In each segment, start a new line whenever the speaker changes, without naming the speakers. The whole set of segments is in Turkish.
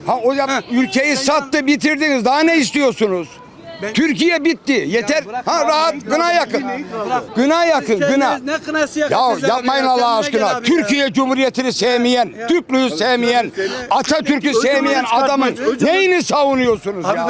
Ha o ülkeyi sattı, bitirdiniz. Daha ne istiyorsunuz? Türkiye bitti. Yeter. Ha rahat. Gına yakın. Gına yakın. Gına.
Ne kınası yakın?
Ya yapmayın Allah aşkına. Türkiye Cumhuriyeti'ni sevmeyen, Türklüğü sevmeyen, Atatürk'ü sevmeyen adamın neyini savunuyorsunuz ya?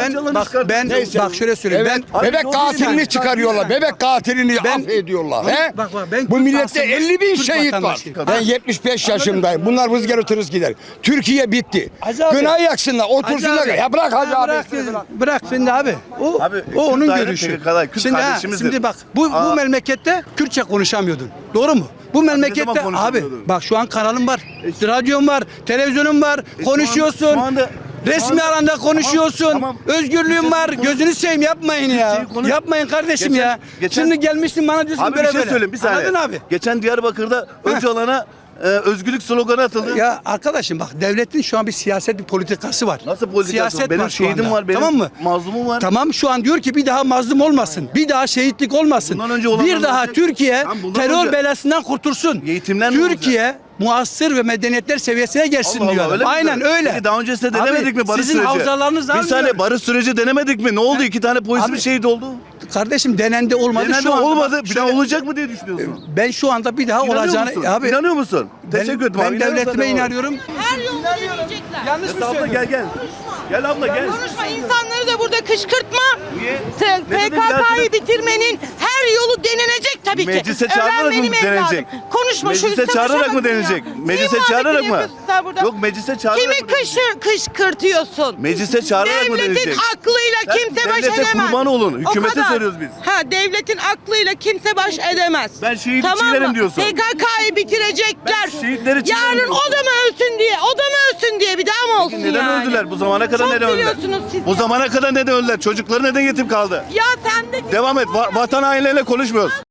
Bak şöyle söyleyeyim.
Evet, bebek katilini çıkarıyorlar. Bebek katilini affediyorlar. He? Bu millette 50.000 şehit var. Ben 75 yaşındayım. Bunlar vız gelir gider. Türkiye bitti. Gına yaksınlar, otursunlar. Ya bırak Hacı abi.
Bırak şimdi abi. O onun görüşü. Şimdi bak bu memlekette Kürtçe konuşamıyordun. Doğru mu? Bu memlekette abi bak şu an kanalım var. Radyom var, televizyonum var. Konuşuyorsun. Resmi alanda konuşuyorsun. Tamam. Özgürlüğün var. Gözünü seveyim yapmayın ya. Yapmayın kardeşim ya. Şimdi gelmişsin bana diyorsun
abi
böyle
bir şey söyleyeyim bir saniye.
Anladın abi?
Geçen Diyarbakır'da Öcalan'a özgürlük sloganı atıldı.
Ya arkadaşım bak devletin şu an bir siyaset bir politikası var.
Nasıl politikası?
Siyaset
Benim
var şu
şehidim
anda.
var, benim
tamam mı?
mazlumum var.
Tamam şu an diyor ki bir daha mazlum olmasın. Bir daha şehitlik olmasın.
Bundan önce olanlar
Bir daha
olacak.
Türkiye terör
önce
belasından kurtulsun.
Eğitimler
Türkiye muasır ve medeniyetler seviyesine gelsin
Allah Allah,
diyor.
öyle mi
Aynen
diyor?
öyle.
Peki daha öncesinde denemedik mi barış
sizin
süreci?
havzalarınız
Bir saniye barış süreci denemedik mi? Ne oldu? 2 tane polisimiz
Abi,
şehit oldu.
Kardeşim denendi olmadı.
Denendi
şu anda
olmadı. Bir daha olacak mı diye düşünüyorsun?
Ben şu anda bir daha
İnanıyor
olacağını
musun?
abi
İnanıyor musun? Teşekkür ederim abi.
Ben devletime inanıyorum.
Her yolu deneyecekler.
Yanlış mı
Abla
söylüyorum?
gel. Gel abla gel.
Konuşma, insanları da burada kışkırtma.
Niye? Ne dedim
PKK'yı bitirmenin her yolu denenecek tabii ki.
Meclise çağırarak
Öğren
mı
benim
denenecek?
evladım. Konuşma şu
Meclise çağırarak mı denenecek? Meclise çağırarak mı? Yok meclise çağırarak
Kimi
mı denenecek?
kışkırtıyorsun?
Meclise çağırarak mı
Devletin
denenecek?
aklıyla
Sen
kimse baş
devlete
edemez.
kurban olun.
O
Hükümete
kadar.
soruyoruz biz.
Ha devletin aklıyla kimse baş edemez.
Ben şehitçilerim diyorsun.
PKK'yı bitirecekler.
Ben şehitleri çiğnerim
Yarın
diyorsun.
o da mı ölsün diye, o da mı ölsün diye bir daha mı olsun
Neden
yani?
öldüler? Bu zamana kadar
Çok
neden öldüler?
biliyorsunuz siz
Bu
ya.
zamana kadar neden öldüler? Çocukları neden yetim kaldı?
Ya sen de
Devam et. Vatan hainlerine konuşmuyoruz.